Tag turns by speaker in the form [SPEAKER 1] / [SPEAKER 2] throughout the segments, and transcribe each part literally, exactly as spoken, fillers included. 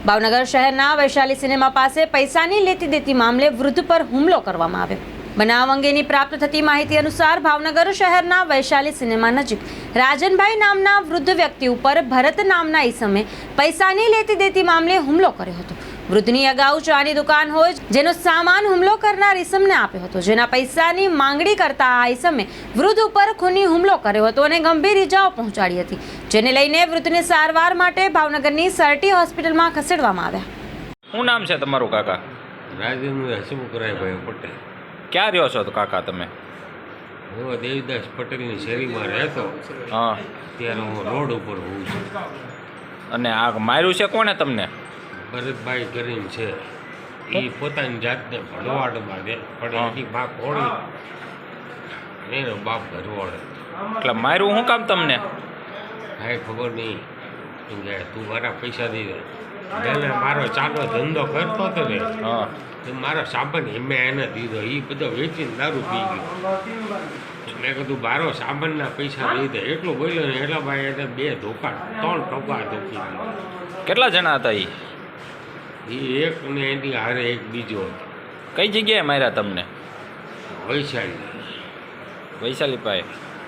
[SPEAKER 1] ભાવનગર શહેરના વૈશાલી સિનેમા પાસે પૈસાની લેતી દેતી મામલે વૃદ્ધ પર હુમલો કરવામાં આવ્યો. બનાવ અંગેની પ્રાપ્ત થતી માહિતી અનુસાર ભાવનગર શહેરના વૈશાલી સિનેમા નજીક રાજનભાઈ નામના વૃદ્ધ વ્યક્તિ ઉપર ભરત નામના ઈસમે પૈસાની લેતી દેતી મામલે હુમલો કર્યો હતો. વૃદ્ધની અગાઉ ચાની દુકાન હોય જેનો સામાન હુમલો કરનાર ઈસમને આપ્યો હતો, જેના પૈસાની માંગણી કરતા આ ઈસમે વૃદ્ધ ઉપર ખૂની હુમલો કર્યો હતો અને ગંભીર ઇજાઓ પહોંચાડી હતી, જેને લઈને વૃદ્ધને સારવાર માટે ભાવનગરની સરટી હોસ્પિટલમાં ખસેડવામાં આવ્યા.
[SPEAKER 2] શું નામ છે તમારું કાકા?
[SPEAKER 3] રાજેન્દ્ર હસમુખરાયભાઈ પટેલ.
[SPEAKER 2] ક્યાં રહ્યો છો તો કાકા તમે?
[SPEAKER 3] હું દેવીદાસ પટેલની શેરીમાં રહેતો.
[SPEAKER 2] હા.
[SPEAKER 3] ત્યારે હું રોડ ઉપર હોઉં છું.
[SPEAKER 2] અને આ માર્યું છે કોણે તમને?
[SPEAKER 3] ભરતભાઈ કરીને છે, એ પોતાની જાતને ભરવાડમાં દે પણ એની બા કોળી અને એનો બાપ ભરવાડ.
[SPEAKER 2] એટલે માર્યું શું કામ તમને?
[SPEAKER 3] કાંઈ ખબર નહીં. એમ કે તું મારા પૈસા દઈ દે. એને મારો ચાલો ધંધો કરતો હતો ને,
[SPEAKER 2] હા,
[SPEAKER 3] તો મારો સામાન એમે એને દીધો. એ બધો વેચીને દારૂ પી ગયો. મેં કીધું બારો સામાનના પૈસા દઈ દે એટલું બોલ્યો ને એટલા ભાઈ એને બે ધોકા ત્રણ ટોકા ધોકી દીધા.
[SPEAKER 2] કેટલા જણા હતા એ?
[SPEAKER 3] એ એક ને એની હારે એક બીજો હતો.
[SPEAKER 2] કઈ જગ્યાએ માર્યા તમને?
[SPEAKER 3] વૈશાલી.
[SPEAKER 2] વૈશાલી પાસે.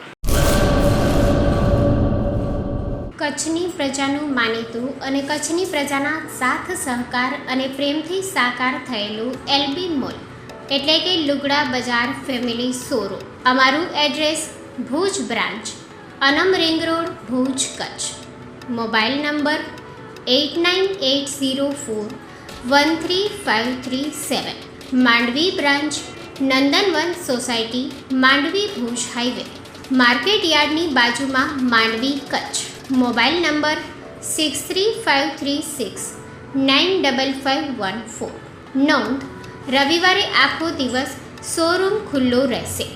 [SPEAKER 4] કચ્છની પ્રજાનું માનીતું અને કચ્છની પ્રજાના સાથ સહકાર અને પ્રેમથી સાકાર થયેલું એલબી મોલ એટલે કે લુગડા બજાર ફેમિલી શોરૂમ. અમારું address Bhuj branch, Anam ring road, Bhuj, Kutch. Mobile number eight nine eight zero four one three five three seven. Mandvi branch, Nandanvan society, Mandvi, Bhuj highway, market યાર્ડની બાજુમાં, Mandvi, Kutch. Mobile number six three five three six nine double five one four. નોંધ: રવિવારે આખો દિવસ showroom ખુલ્લો રહેશે.